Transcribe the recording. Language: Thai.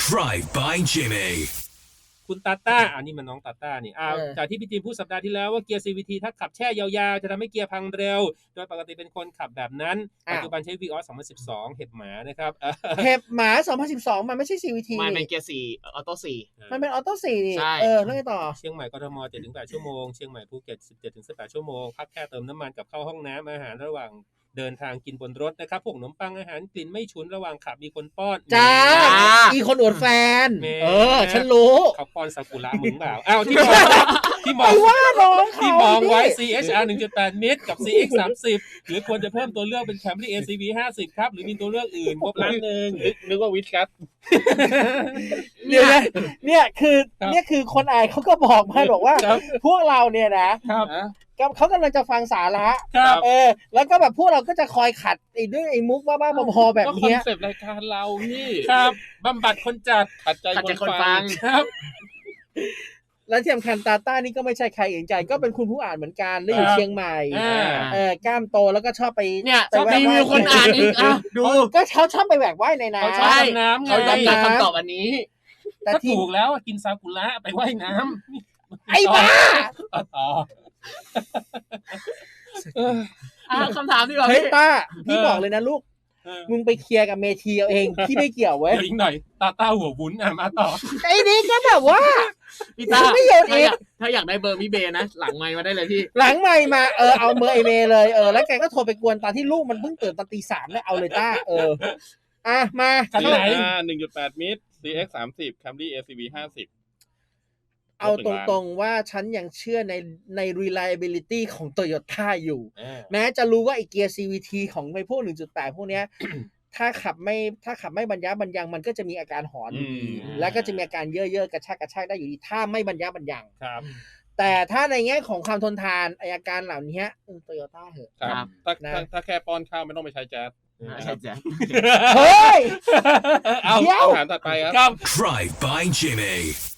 Drive by Jimmy คุณตาต้าอันนี้มันน้องตาต้านี่จากที่พี่จีนพูดสัปดาห์ที่แล้วว่าเกียร์ CVT ถ้าขับแช่ยาวๆจะทำให้เกียร์พังเร็วโดยปกติเป็นคนขับแบบนั้นปัจจุบันใช้ Vios 2012เห็บหมานะครับเห็บหมา2012มันไม่ใช่ CVT มันเป็นเกียร์4ออโต้4 มันเป็นออโต้4นี่แล้วไงต่อเชียงใหม่กทม 7-8 ชั่วโมงเชียงใหม่ภูเก็ต 17-18 ชั่วโมงพักแค่เติมน้ำมันกับเข้าห้องน้ำอาหารระหว่างเดินทางกินบนรถนะครับพวกขนมปังอาหารกลิ่นไม่ฉุนระหว่างขับมีคนป้อนจ้าอีคนอวดแฟนฉันรู้เขาป้อนซากุระมึงเปล่าอ้าวที่มองว่าน้องเขาที่มองไว้ CHR 1.8 มิตรกับ CX 30หรือควรจะเพิ่มตัวเลือกเป็น Camry ACV 50ครับหรือมีตัวเลือกอื่นครบล้านนึงนึกว่าวิทครับเดี๋ยวนะเนี่ยคือคนอ่านเขาก็บอกมาบอกว่าพวกเราเนี่ยนะเขากำลังจะฟังสาระแล้วก็แบบพวกเราก็จะคอยขัดด้วยมุกบ้าๆบอๆแบบนี้คอนเซปต์รายการเราพี่ครับบำบัดคนจัดขัดใจคนฟังครับและที่สำคัญตาต้านี่ก็ไม่ใช่ใครอื่นใจก็เป็นคุณผู้อ่านเหมือนกันได้อยู่เชียงใหม่กล้ามโตแล้วก็ชอบไปเนี่ยชอบมีคนอ่านอีกดูก็เขาชอบไปแหวกว่ายในน้ำเขาชอบน้ำเขาย้ำคำตอบอันนี้แต่ถูกแล้วกินซากุระไปว่ายน้ำไอ้บ้าคำถามดีกว่าเฮ้ยป้าพี่บอกเลยนะลูกมึงไปเคลียร์กับเมทีเอาเองพี่ไม่เกี่ยวเว้ยอีกหน่อยตาต้าหัววุ้นมาต่อไอ้นี่ก็แบบว่าพี่ตาไม่โยนเองถ้าอยากได้เบอร์พี่เบนะหลังไมค์มาได้เลยพี่หลังไมค์มาเอาเบอร์ไอเมย์เลยแล้วแกก็โทรไปกวนตอนที่ลูกมันเพิ่งตื่นตอนตี 3แล้วเอาเลยต้ามาคันไหน 1.8 มิตร CX 30 Camry ACV 50 เอาตรงๆว่าฉันยังเชื่อใน reliability ของ Toyota อยู่แม้จะรู้ว่าไอ้เกียร์ CVT ของไอ้พวก 1.8 พวกเนี้ยถ้าขับไม่บรรยะบรรยังมันก็จะมีอาการหอนอยู่ดีแล้วก็จะมีอาการเย่อๆกระชากได้อยู่ดีถ้าไม่บรรยะบรรยังครับแต่ถ้าในแง่ของความทนทานอาการเหล่านี้Toyota เหอะครับถ้าแค่ป้อนข้าวไม่ต้องไปใช้แจ๊สใช่แจ๊สเฮ้ยเอาถามถัดไปครับ Drive by Jimmy